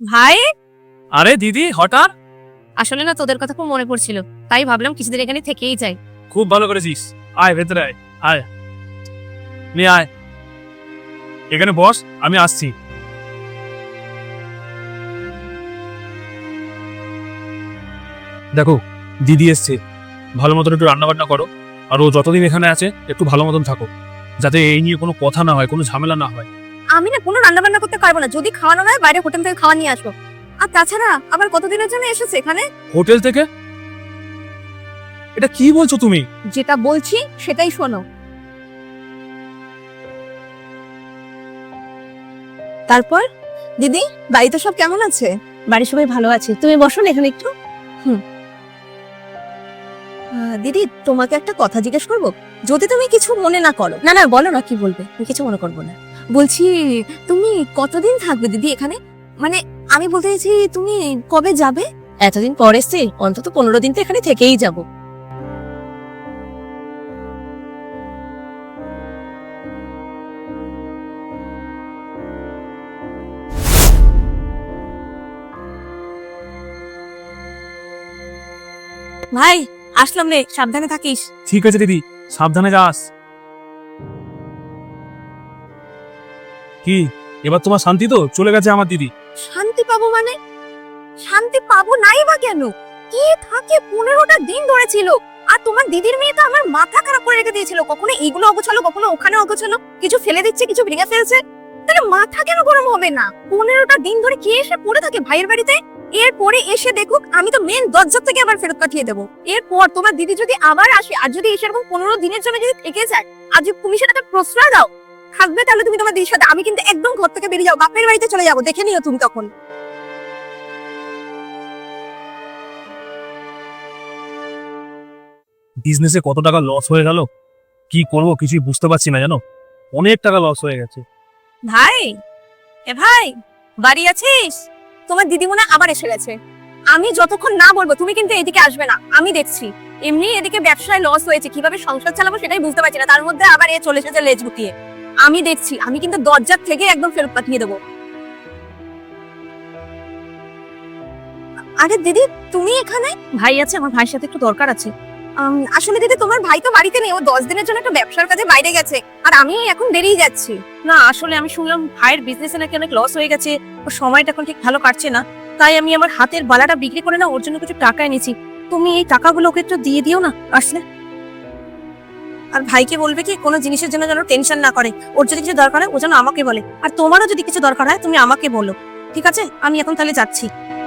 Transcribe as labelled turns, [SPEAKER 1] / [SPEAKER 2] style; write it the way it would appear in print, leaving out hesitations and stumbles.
[SPEAKER 1] ভাই,
[SPEAKER 2] আরে দিদি হঠাৎ?
[SPEAKER 1] আসলে না তোদের কথা খুব মনে পড়ছিল, তাই ভাবলাম কিছুদিন এখানে থেকেই যাই।
[SPEAKER 2] খুব ভালো করেছিস। আয় ভেতরে আয়, আয় নিয়ে আয়, এখানে বস, আমি আসছি। দেখো দিদি এসছে, ভালো মতন একটু রান্না বান্না করো, আর ও যতদিন এখানে আছে একটু ভালো মতন থাকো, যাতে এই নিয়ে কোনো কথা না হয়, কোনো ঝামেলা না হয়।
[SPEAKER 1] আমি না কোনো রান্না বান্না করতে পারবো না, যদি খাওয়ানো হয় বাইরে হোটেল থেকে খাওয়া নিয়ে আসবো। আর তাছাড়া আবার কতদিনের জন্য এসেছে এখানে?
[SPEAKER 2] হোটেল থেকে? এটা কি বলছো তুমি?
[SPEAKER 1] যেটা বলছি সেটাই শোনো। তারপর দিদি, বাড়িতে সব কেমন আছে? বাড়ির সবাই ভালো আছে, তুমি বসো না এখানে একটু। দিদি, তোমাকে একটা কথা জিজ্ঞেস করবো, যদি তুমি কিছু মনে না করো। না না, বলো না, কি বলবে? আমি কিছু মনে করবো না। বলছি, তুমি কতদিন থাকবে দিদি এখানে? মানে আমি বলতে চাইছি, তুমি কবে যাবে? এতদিন পর এসছি, অন্তত 15 দিন তো এখানে থেকেই যাব। ভাই, আসলাম রে, সাবধানে থাকিস।
[SPEAKER 2] ঠিক আছে দিদি, সাবধানে যাস। কি এবার তোমার শান্তি তো? চলে গেছে আমার দিদি।
[SPEAKER 1] শান্তি পাবো মানে? শান্তি পাবো নাই বা কেন? কি থাকে 15টা দিন ধরে ছিল। আর তোমার দিদির মেয়ে তো আমার মাথা খারাপ করে রেখে দিয়েছিল, কখনো এইগুলো অগোছালো, কখনো ওখানে অগোছালো, কিছু ফেলে দিচ্ছে, কিছু ভেঙে ফেলছে। তাহলে মাথা কেন গরম হবে না? 15টা দিন ধরে কে এসে পড়ে থাকে ভাইয়ের বাড়িতে? এরপরে এসে দেখুক আমি তো মেন দরজা থেকে আবার ফেরত পাঠিয়ে দেবো। এরপর তোমার দিদি যদি আবার আসে, আর যদি এসে এরকম 15 দিনের জন্য যদি থেকে যায়, আর যদি তুমি সেটাকে প্রশ্রয় দাও, থাকবে তাহলে তুমি তোমার দিদির সাথে। আমি কিন্তু একদম ঘর থেকে বেরিয়ে যাবো, বাপের বাড়িতে চলে যাবো, দেখে নিও তুমি তখন।
[SPEAKER 2] বিজনেসে কত টাকা লস হয়ে গেল, কি করব কিছুই বুঝতে পারছি না, জানো, অনেক টাকা লস হয়ে গেছে।
[SPEAKER 1] ভাই, ভাই, বাড়ি আছিস? তোমার দিদি মনে হয় আবার এসে গেছে। আমি যতক্ষণ না বলবো তুমি কিন্তু এদিকে আসবে না, আমি দেখছি। এমনি এদিকে ব্যবসায় লস হয়েছে, কিভাবে সংসার চালাবো সেটাই বুঝতে পারছি না, তার মধ্যে আবার এ চলে এসেছে লেজ গুটিয়ে। আমি দেখছি, আমি কিন্তু দরজার থেকে একদম ফেরত পাঠিয়ে দেবো। আরে দিদি, তুমি এখানে? ভাই আছে, আমার ভাইয়ের সাথে একটু দরকার আছে। আসলে দিদি, তোমার ভাই তো বাড়িতে নেই, ও 10 দিনের জন্য একটা ব্যবসার কাজে বাইরে গেছে, আর আমি এখন বেরিয়ে যাচ্ছি। না আসলে আমি শুনলাম ভাইয়ের বিজনেসে নাকি অনেক লস হয়ে গেছে, ওর সময়টা এখন ঠিক ভালো কাটছে না, তাই আমি আমার হাতের বালাটা বিক্রি করে না ওর জন্য কিছু টাকা এনেছি। তুমি এই টাকাগুলো ওকে একটু দিয়ে দিও না আসলে। আর ভাইকে বলবে কি কোনো জিনিসের জন্য যেন টেনশন না করে, ওর যদি কিছু দরকার হয় ও যেন আমাকে বলে, আর তোমারও যদি কিছু দরকার হয় তুমি আমাকে বলো। ঠিক আছে, আমি এখন তাহলে যাচ্ছি।